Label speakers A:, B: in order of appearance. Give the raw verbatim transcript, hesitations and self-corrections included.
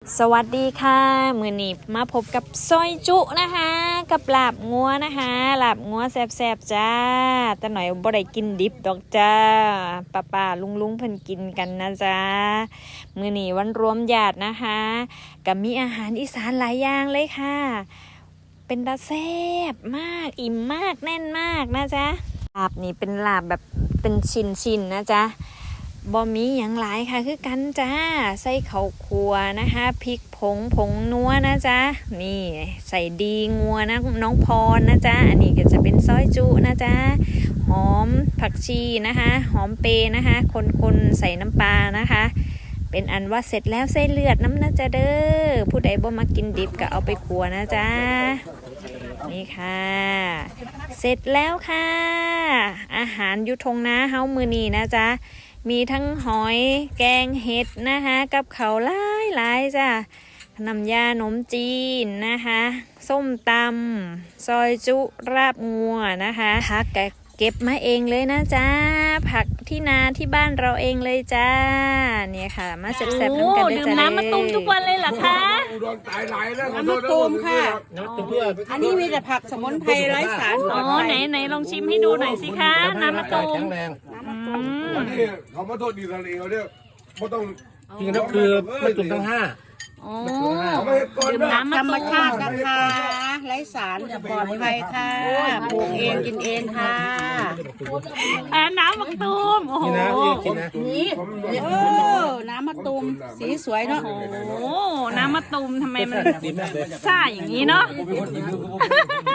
A: สวัสดีค่ะมื้อนี้มาพบกับซอยจุนะคะกับลาบงัวนะคะลาบงัวแซ่บๆจ้าแต่หน่อยบ่ได้กินดิบดอกจ้าป้าป้าลุงลุงเพิ่นกินกันนะจ้ามื้อนี้วันรวมญาตินะคะก็มีอาหารอีสานหลายอย่างเลยค่ะเป็นตาแซ่บมากอิ่มมากแน่นมากนะจ๊ะลาบนี่เป็นลาบแบบเป็นชิ้นๆนะจ๊ะบ่มีอย่างหลายค่ะคือกันจ้าใส่ข้าวคั่วนะคะพริกผงผงนัวนะจ๊ะนี่ใส่ดีงัวนะน้องพรนะจ๊ะอันนี้ก็จะเป็นซอยจุนะจ๊ะหอมผักชีนะคะหอมเปนะคะคนๆใส่น้ำปลานะคะเป็นอันว่าเสร็จแล้วใส่เลือดน้ำนะจ๊ะเด้อผู้ใดบ่มากินดิบก็เอาไปคั่วนะจ๊ะนี่ค่ะเสร็จแล้วค่ะอาหารยุทงนาเฮามือนี้นะจ๊ะมีทั้งหอยแกงเห็ดนะคะกับเขาหลายหลายจ้ะน้ำยาขนมจีนนะคะส้มตำซอยจุราบงัวนะคะผักเก็บมาเองเลยนะจ๊ะผักที่นาที่บ้านเราเองเลยจ้าเนี่ยค่ะมาแซ่บๆน้ำกันด้วยจ้ะดื่มน้ำมะตูมทุกวันเลยเหรอคะ
B: น้ำมะตูมค่ะอันนี้มีแต่ผักสมุนไพรไร้สารปลอดภัย
A: ไหนไหนลองชิมให้ดูหน่อยสิคะน้ำมะตูม
C: อันนี้เขามาโทษดีทะเลเขาเนี่ยไม่ต้อง
D: จริงๆแล้วคือไม่ตุ่มทั้งห้า
A: โอ้
C: เขาไม่ให้ก่อน
A: ดื่ม
C: นะ
A: น้ำมะ
B: ธรรม
A: ตูม
B: ชาตินะคะไร้สารปลอดภัยค่ะปลูกเองกินเองค่ะ
A: อ่าน้ำมะตูมโอ้โห
D: นี่นะพี่กินนะ
B: นี่เออน้ำมะตูมสีสวยเนาะ
A: โอ้โหน้ำมะตูมทำไมมัน
D: ดีมากเลย
A: ซ่าอย่างนี้เนาะ